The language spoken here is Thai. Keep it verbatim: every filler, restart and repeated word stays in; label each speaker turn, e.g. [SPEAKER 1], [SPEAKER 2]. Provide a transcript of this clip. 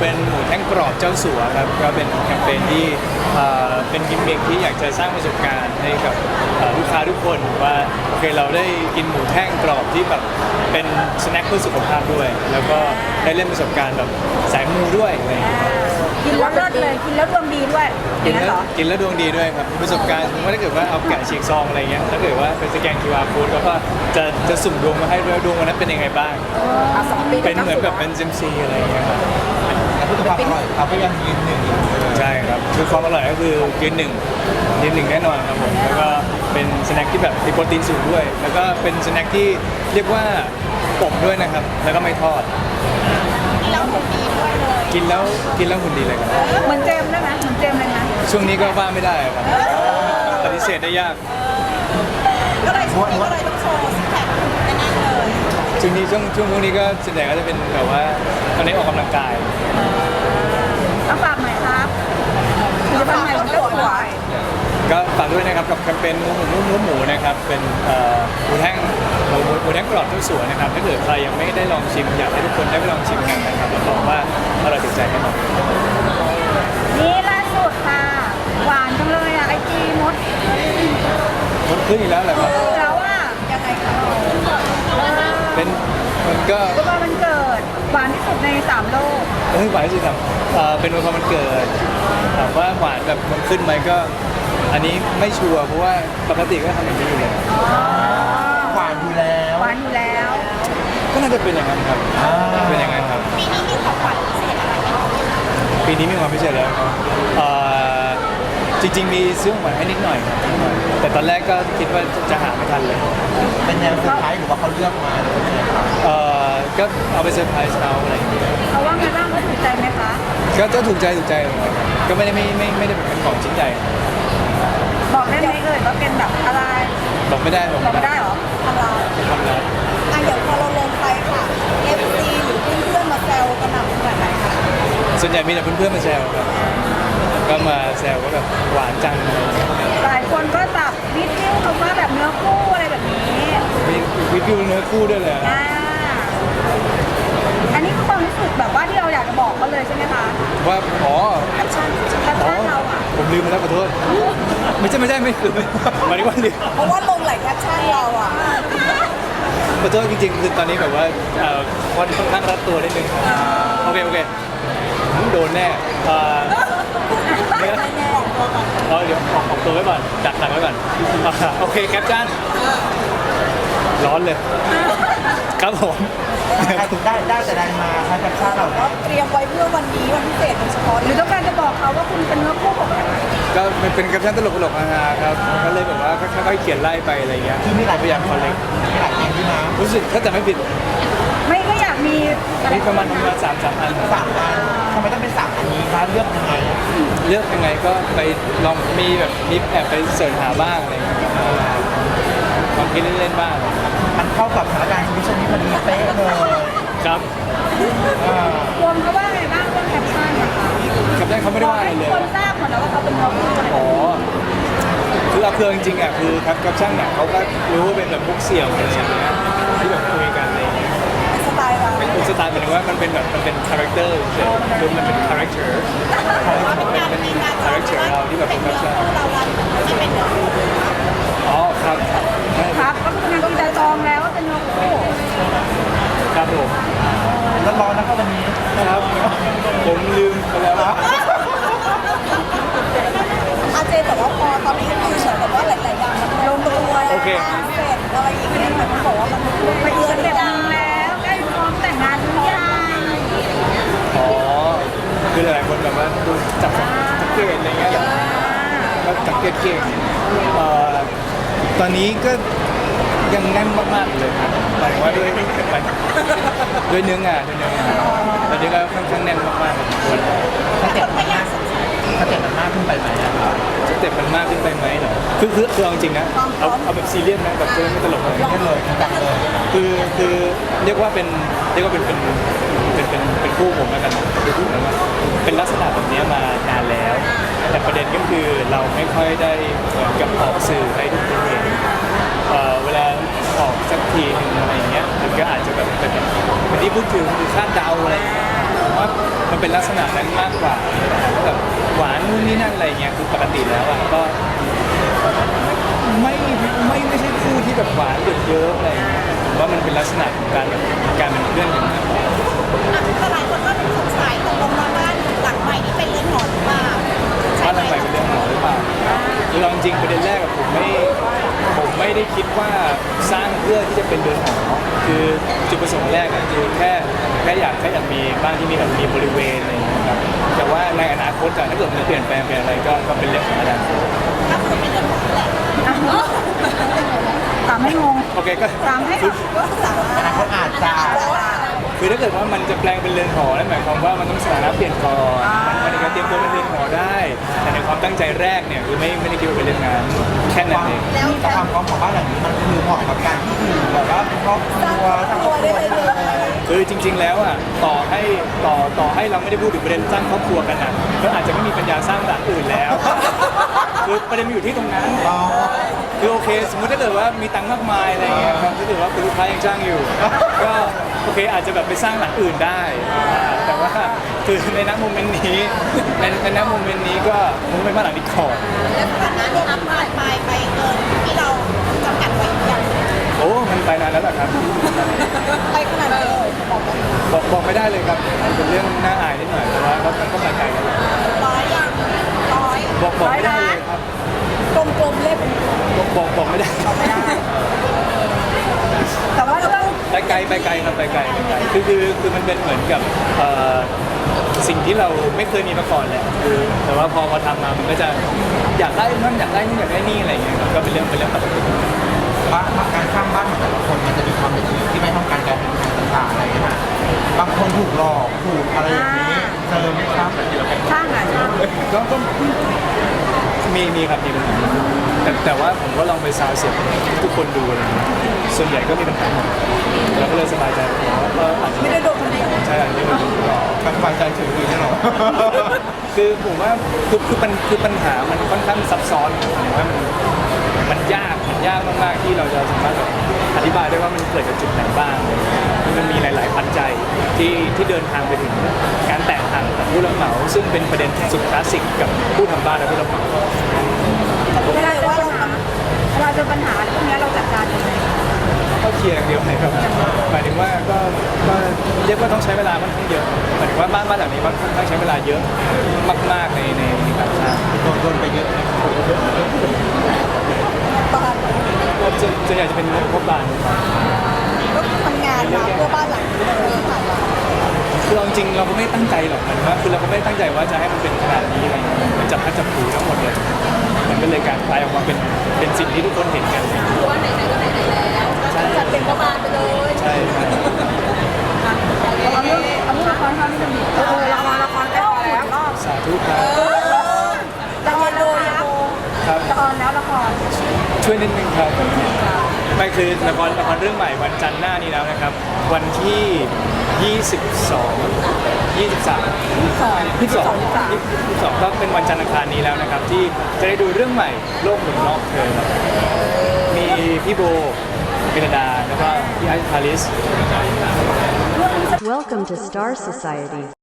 [SPEAKER 1] เป็นหมูแท่งกรอบเจ้าสัวครับก็เป็นแคมเปญที่เอ่อเป็นกิมมิคที่อยากจะสร้างประสบการณ์ให้กับเอ่อลูกค้าทุกคนว่าโอเคเราได้กินหมูแท่งกรอบที่แบบเป็นสแน็คเพื่อสุขภาพด้วย แล้วก็ได้เล่นประสบการณ์แบบสายมูด้วยอะไรอย่างเงี้ย
[SPEAKER 2] กินแล้วเลิศเลยกินแล้วดวงดีด้วย
[SPEAKER 1] กิน
[SPEAKER 2] อย่าง
[SPEAKER 1] แล้ว
[SPEAKER 2] เหรอ
[SPEAKER 1] กินแล้วดวงดีด้วยครับประสบการณ์สมมติว่าถ้าเกิดว่าเอาแกะฉีกซองอะไรเงี้ยถ้าเกิดว่าเป็นสแกน คิว อาร์ code แล้วก็จะจะสุ่มดวงมาให้ด้วยดวงวันนั้นเป็นยังไงบ้าง
[SPEAKER 2] อ่ะสองปี
[SPEAKER 1] เป็นเหมือนแบบเป็นเซมซีอะไรอย่างเงี้ยครับ
[SPEAKER 3] แต่พูดถึงความอร่อยเขาก็ยังยืนหนึ่งอยู่
[SPEAKER 1] ใช่ครับคือความอร่อยก็คือยืนหนึ่งยืนหนึ่งแน่นอนครับผมแล้วก็เป็นสแน็คที่แบบมีโปรตีนสูงด้วย แล้วก็เป็นสแน็คที่เรียกว่าอบด้วยนะครับแล้วก็ไม่ทอด
[SPEAKER 2] แล้วหุ่นดีด้วยเลย
[SPEAKER 1] กินแล้วกินแล้วหุ่นดีเลยครับ
[SPEAKER 2] เหมือนเจมส์ได้ไหมเหมือนเจมส์เลยนะ
[SPEAKER 1] ช่วงนี้ก็ว่าไม่ได้ครับปฏิเสธได้ยาก
[SPEAKER 2] ก็เลยช่วงนี้ก็เลยต้องโชว์ซิกแพคแน่ๆเลย
[SPEAKER 1] ช่วงนี้ช่วงช่วงพวกนี้ก็ส่วนใหญ่ก็จะเป็นแบบว่าตอนนี้ออกกำลังกาย
[SPEAKER 2] เอาฝากหน่อยครับคือจะทำไมต้องสวย
[SPEAKER 1] ก็ฝากด้วยนะครับกับแคมเปญหมูหมูหมูหมูนะครับเป็นเอ่อหมูแท่งหมูหมูแท่งกรอบทุกส่วนนะครับถ้าเกิดใครยังไม่ได้ลองชิมอยากให้ทุกคนได้ไปลองชิมกันนะครับรับรองว่าอร่อยติดใจแน่นอน
[SPEAKER 2] นี่ล่าสุดค่ะ หวานจังเลยอ่ะไอจีมด
[SPEAKER 1] มันขึ้นอีกแล้วเหรอครับ
[SPEAKER 2] แล้วอ่ะยังไงคะ
[SPEAKER 1] เป็นมันก็
[SPEAKER 2] ก็ว่ามันเกิดหวานที่สุดในสามโลก
[SPEAKER 1] เฮ้ยหวานที่สุดครับเอ่อเป็นวันพอมันเกิดถามว่าหวานแบบมันขึ้นไหมก็ อันนี้ไม่ชัวร์เพราะว่าปกติก็ทำอย่างนี้อยู่แล้ว
[SPEAKER 3] หวานอยู่แล้ว
[SPEAKER 2] หวานอยู่แล้ว
[SPEAKER 1] ก็น่าจะเป็นอย่างนั้นครับเป็นอย่างนั้นครับ
[SPEAKER 2] ปีนี้มีของขวัญพิเศษอะไรไหม
[SPEAKER 1] ปีนี้มีความพิเศษแล้วครับเอ่อจริง ๆ มีซื้อของขวัญให้นิดหน่อยครับนิดหน่อยแต่ตอนแรกก็คิดว่าจะหาไม่ทันเลย
[SPEAKER 3] เป็นแนวเซอร์ไพรส์หรือว่าเขาเลือกมาหรือว่าไงครับ
[SPEAKER 1] เอ่อก็เอาไปเซอร์ไพรส์เขาอะไรอย่างเงี้ย
[SPEAKER 2] เขาว่าไงบ้างเขาถูกใจไหมคะ
[SPEAKER 1] ก็ก็ถูกใจถูกใจเลยครับก็ไม่ได้ไม่ไม่ไม่ได้เป็นของชิ้นใหญ่
[SPEAKER 2] บอกได้ไหมเอ่ยว่าเป็นแบบอะไร
[SPEAKER 1] บอกไม่ได้บอก
[SPEAKER 2] บอก
[SPEAKER 1] ไม่
[SPEAKER 2] ไม่
[SPEAKER 1] ได้
[SPEAKER 2] ได้เหรอทำลาย
[SPEAKER 1] ทำแล้ว
[SPEAKER 2] อ่ะเดี๋ยวพอเราลงไปค่ะ เอฟ ซี หรือเพื่อนๆมาแซวกันหนักขนาดไหนคะ
[SPEAKER 1] ส่วนใหญ่มีแต่เพื่อนๆมาแซวครับก็มาแซวว่าแบบหวานจังอะไรอย่างเงี้ย
[SPEAKER 2] หลายคนก็จับนิดนิ้วคำว่าแบบเนื้อคู่อะไรแบบนี้
[SPEAKER 1] มีวิดีโอเนื้อคู่ด้วยเลย
[SPEAKER 2] อ่าอันนี้คือความรู้สึกแบบว่าที่เราอยากจะบอกเขาเลยใช่ไหมคะ
[SPEAKER 1] ว่าอ๋อ
[SPEAKER 2] แคปชั่นแคป
[SPEAKER 1] อ๋อ
[SPEAKER 2] ชั่นเราอ่ะ
[SPEAKER 1] ผมลืมไปแล้วขอโทษไม่ใช่ไม่ใช่ไม่คือหมายถึงว่าลืม
[SPEAKER 2] เพราะว่าลงหลายแคปชั่นเราอ่ะ
[SPEAKER 1] ขอโทษจริงๆคือตอนนี้แบบว่าเอ่อค่อนข้างรัดตัวนิดนึงโอเคโอเคโดนแน่เอ่อเนี่ยเอาเดี๋ยวออกออกตัวไว้ก่อนดักดักไว้ก่อนอ่าโอเคแคปชั่นร้อนเลย ครับผม
[SPEAKER 3] ใครถึงได้ได้แต่ได้มาใครกับชาติเราเนี่ย
[SPEAKER 2] เตรียมไว้เพื่อวันนี้วันพิเศษโดยเฉพาะหรือต้องการจะบอกเขาว่าคุณเป็นเนื้อคู่ของเขา
[SPEAKER 1] ก็มันเป็นแคปชั่นตลกตลกๆฮาๆครับก็เลยแบบว่าค่อยๆเขียนไล่ไปอะไรเงี้ย
[SPEAKER 3] คือมีหลาย
[SPEAKER 1] พยายามคอลเลก
[SPEAKER 3] มีหลายอย่างที่น้
[SPEAKER 1] รู้สึกถ้าจะไม่ผิด
[SPEAKER 2] ไม่ก็อยากมีอะไร
[SPEAKER 1] มีประมาณประมาณสามสามอัน
[SPEAKER 3] ำสามอันทำไมต้องเป็นสามอันนี้คะเลือกยังไงอะ
[SPEAKER 1] เลือกยังไงก็ไปลองมีแบบมีแอบไปเสิร์ชหาบ้างอะไรเงี้ยลองคิดเล่นๆบ้าง
[SPEAKER 3] มันเข้ากับสถานการณ์ชีวิตช่วงนี้พอดีเป๊ะเลย
[SPEAKER 1] ครับ
[SPEAKER 3] อ่าร
[SPEAKER 2] วมเขาว่าไงบ้างเรื่องแคปชั่นนะคะ
[SPEAKER 1] แคปชั่นเขาไม่ได้ว่าอะไรเลย
[SPEAKER 2] คนทราบหมดแล้วว่าเขาเป็นเนื้อคู่อะไร
[SPEAKER 1] อ๋อคือเอาเครื่องจริงๆอ่ะคือแคปชั่นเนี่ยเขาก็รู้ว่าเป็นแบบพวกเสี่ยวอะไรอย่างเงี้ยที่แบบคุยกันอะไรอย่างเงี้ย
[SPEAKER 2] สไตล์เรา
[SPEAKER 1] เป็นสไตล์หมายถึงว่ามันเป็นแบบมันเป็นคาแรคเตอร์เฉยๆคือมันเป็นคาแรคเตอร์เป็นคาแรคเตอร์เราที่แบบเป็นแคปชั่น
[SPEAKER 2] เราวันที่เป็นเนื้อคู่
[SPEAKER 1] อ๋อครับใช่
[SPEAKER 2] ครับก็คืองานจะจองแล้วว่าเป็นเนื้อคู่
[SPEAKER 1] ครับผม
[SPEAKER 3] แล้วร้อนนะครับวันนี้
[SPEAKER 1] ครับผมลืมไปแล้วครับ
[SPEAKER 2] อาเจแต่ว่าพอตอนนี้คือเหมือนกับว่าหลายๆอย่างมันลงตัวแล้ว
[SPEAKER 1] โอเค
[SPEAKER 2] เสร็จอะไรอย่างเงี้ยเหมือนเขาบอกว่ามันไปเดือนดังแล้วใกล้พร้อมแต่งงานหรือยัง
[SPEAKER 1] อ๋อคือหลายๆคนแบบว่าดูจับสังเกตอะไรเงี้ยก็สังเกตเก่งเอ่อตอนนี้ก็ยังแน่นมากๆเลยครับหมายถึงว่าด้วยด้วยเนื้องานด้วยเนื้องานตอนนี้ก็ค่อนข้างแน่นมากๆพอสมควร
[SPEAKER 3] สเต็ปมันมากสเต็ปมันมากขึ้นไปไหมอะครับ
[SPEAKER 1] สเต็ปมันมากขึ้นไปไหมเหรอคือคือคือเอาจริงนะเอาเอาแบบซีเรียสนะแบบไม่ไม่ตลกเลย
[SPEAKER 3] ไม่เลยจังเลย
[SPEAKER 1] คือคือเรียกว่าเป็นเรียกว่าเป็นเป็นเป็นเป็นเป็นคู่ผมแล้วกันคือคู่ผมว่าเป็นลักษณะแบบนี้มานานแล้ว แต่ประเด็นก็คือเราไม่ค่อยได้เหมือนกับออกสื่อให้ทุกคนเห็นเอ่อเวลาออกสักทีหนึ่งอะไรอย่างเงี้ยมันก็อาจจะแบบเป็นเป็นที่พูดถึงคือคาดเดาอะไรอย่างเงี้ยผมว่ามันเป็นเป็นลักษณะนั้นมากกว่าแบบหวานนู่นนี่นั่นอะไรเงี้ยคือปกติแล้วอ่ะก็ไม่ไม่ไม่ใช่คู่ที่แบบหวานหยดเยอะอะไรเงี้ยผมว่ามันเป็นลักษณะของการแบบการเป็นเพื่อนกันมากกว่า
[SPEAKER 2] แต่หลายคนก็สงสัยตกลงมาบ้านหลังใหม่นี่เป็นเรือนหอหรือเปล่าใช่
[SPEAKER 1] ว่า
[SPEAKER 2] ไหม
[SPEAKER 1] ทำไมเป็นเรื่องหมอหรือเปล่าคือเราจริงๆประเด็นแรกกับผมไม่ผมไม่ได้คิดว่าสร้างเพื่อที่จะเป็นเรือนหอคือจุดประสงค์แรกอะคือแค่แค่อยากแค่อยากมีบ้านที่มีแบบมีบริเวณอะไรอย่างเงี้ยครับแต่ว่าในอนาคตอะถ้าเกิดมันจะเปลี่ยนแปลงเป็นอะไรก็ก็เป็นเรื่องของอนาคต
[SPEAKER 2] ก็คือเป็นเรือนหอแหละตามให้งง
[SPEAKER 1] โอเคก็
[SPEAKER 2] ตามให้ก็สามารถ
[SPEAKER 3] อนาคตอาจจะ
[SPEAKER 1] คือถ้าเกิดว่ามันจะแปลงเป็นเรือนหอนั่นหมายความว่ามันต้องสถานะเปลี่ยนก่อนมันมันจะเตรียมตัวเป็นเรือนหอได้ แต่ในความตั้งใจแรกเนี่ยคือไม่ไม่ได้คิดว่าเป็นเรื่องงานแค่นั้นเอง
[SPEAKER 2] แล้ว
[SPEAKER 3] แต่ความพร้อมของบ้านหลังนี้มันคือเหมาะกับการที่อยู่แบบว่าเป็นครอบครัวสร้างครอบครัวเลย
[SPEAKER 1] คือจริง ๆ แล้วอ่ะต่อให้ต่อต่อให้เราไม่ได้พูดถึงประเด็นสร้างครอบครัวกันอ่ะก็อาจจะไม่มีปัญญาสร้างหลังอื่นแล้ว คือประเด็นมันอยู่ที่ตรงนั้น
[SPEAKER 3] อ๋อ
[SPEAKER 1] คือโอเค สมมุติถ้าเกิดว่ามีตังค์มากมายอะไรเงี้ยครับถ้าเกิดว่าคุณลูกค้ายังจ้างอยู่ ก็โอเคอาจจะแบบไปสร้างหลังอื่นได้อ่าแต่ว่าคือในณโมเมนต์นี้ในในณโมเมนต์นี้ก็คงไม่มาหลังนี้ก่อน
[SPEAKER 2] แล้วสถานะเนี่ยอัพผ่านไปไปเกินที่เราจำกัดไว้อย่าง
[SPEAKER 1] โอ้มันไปนานแล้วล่ะครับ
[SPEAKER 2] ไปขนาดไหนเลยบอกว่า
[SPEAKER 1] บอกบอกไม่ได้เลยครับมันเป็นเรื่องน่าอายนิดหน่อยแต่ว่าก็มันก็ไปไกลแล้วแหละ
[SPEAKER 2] ร้อยยังร้อย
[SPEAKER 1] บอกบอกไม่ได้เลยครับ
[SPEAKER 2] กลมๆเลขเป็น
[SPEAKER 1] บอกบอกบอกไม่ได้
[SPEAKER 2] ไม่ได้ แต่ว่าเราต้อง
[SPEAKER 1] ไปไกลไปไกลครับไปไกลไปไกลคือคือคือมันเป็นเหมือนกับเอ่อสิ่งที่เราไม่เคยมีมาก่อนแหละคือแต่ว่าพอพอทำมามันก็จะอยากได้นั่นอยากได้นี่อยากได้นี่อะไรอย่างเงี้ยครับก็เป็นเรื่องเป็นเรื่องปกติ
[SPEAKER 3] บ้านการสร้างบ้านของแต่ละคนมันจะมีความเป็นชีวิตที่ไม่เท่ากันการเป็นต่างๆอะไรอย่างเงี้ยบางคนถูกหลอกถูกอะไรอย่างนี้เจอไหมครับ
[SPEAKER 2] ช่างอ่ะช่าง
[SPEAKER 1] ก็ก็มีมีครับมีปัญหาแต่แต่ว่าผมก็ลองไปซาวเสียงทุกคนดูอะไรอย่างเงี้ยส่วนใหญ่ก็มีปัญหาหมดเราก็เลยสบายใจว่าเอออาจจะ
[SPEAKER 2] ไม่ได้โดนคนเดียว
[SPEAKER 1] ใช่อาจจะไม่ได้ถูกหลอก
[SPEAKER 3] การสบายใจถึงเลยเนี่ยหรอ
[SPEAKER 1] คือผมว่าคือคือปัญคือปัญหามันค่อนข้างซับซ้อนผมว่ามันมันยากมันยากมากๆที่เราจะสามารถแบบอธิบายได้ว่ามันเกิดจากจุดไหนบ้างมันมีหลาย ๆ ปัจจัยที่ที่เดินทางไปถึงการแตกต่างกับผู้รับเหมาซึ่งเป็นประเด็นสุดคลาสสิกกับผู้ทำบ้านและผู้รับเหมา
[SPEAKER 2] เวลาว่าเราทำเวลาเจอปัญหาพวกนี้เราจัดการยังไง
[SPEAKER 1] ก็เคลียร์อย่างเดียวเลยครับหมายถึงว่าก็ก็เรียกว่าต้องใช้เวลาค่อนข้างเยอะหมายถึงว่าบ้านบ้านหลังนี้มันค่อนข้างใช้เวลาเยอะมาก ๆ ในในในการสร้าง
[SPEAKER 3] โดนโดนไปเยอะไหมครับ
[SPEAKER 2] บ้าน
[SPEAKER 1] ก็จะจะอยากจะเป็นงบบ้าน
[SPEAKER 2] ก็ทำงานมาเพื่อบ้านหลังนี้เลยผ่านมา
[SPEAKER 1] คือเอาจริงเราก็ไม่ตั้งใจหรอกมันว่าคือเราก็ไม่ได้ตั้งใจว่าจะให้มันเป็นขนาดนี้อะไรอย่างเงี้ยมันจับพัดจับผูทั้งหมดเลยมันก็เลยกลารกลายออกมาเป็นเป็นสิ่งที่ทุกคนเห็นกัน
[SPEAKER 2] ว่าไหนๆก็ไหนๆแล้วจัดเป็นประมาณไปเลย
[SPEAKER 1] ใช่ใช่
[SPEAKER 2] เอาเรื่องเอาเรื่องละครเขาที่จะมีเออละครละครใกล้ออนแล้วรอบ
[SPEAKER 1] สาธุครับ
[SPEAKER 2] ละครโดยยักษ์
[SPEAKER 1] ครับ
[SPEAKER 2] จะออนแล้วละคร
[SPEAKER 1] ช่วยนิดนึงครับไม่คือละครละครเรื่องใหม่วันจันทร์หน้านี้แล้วนะครับ วันที่ยี่สิบสอง ยี่สิบสาม
[SPEAKER 2] สอง
[SPEAKER 1] ยี่สิบสองยี่สิบสองก็เป็นวันจันทร์อังคารนี้แล้วนะครับ ที่จะได้ดูเรื่องใหม่โลกหมุนรอบเธอครับมีพี่โบเบนดาแล้วก็พี่ไอซ์พาริส
[SPEAKER 4] Welcome to Star Society.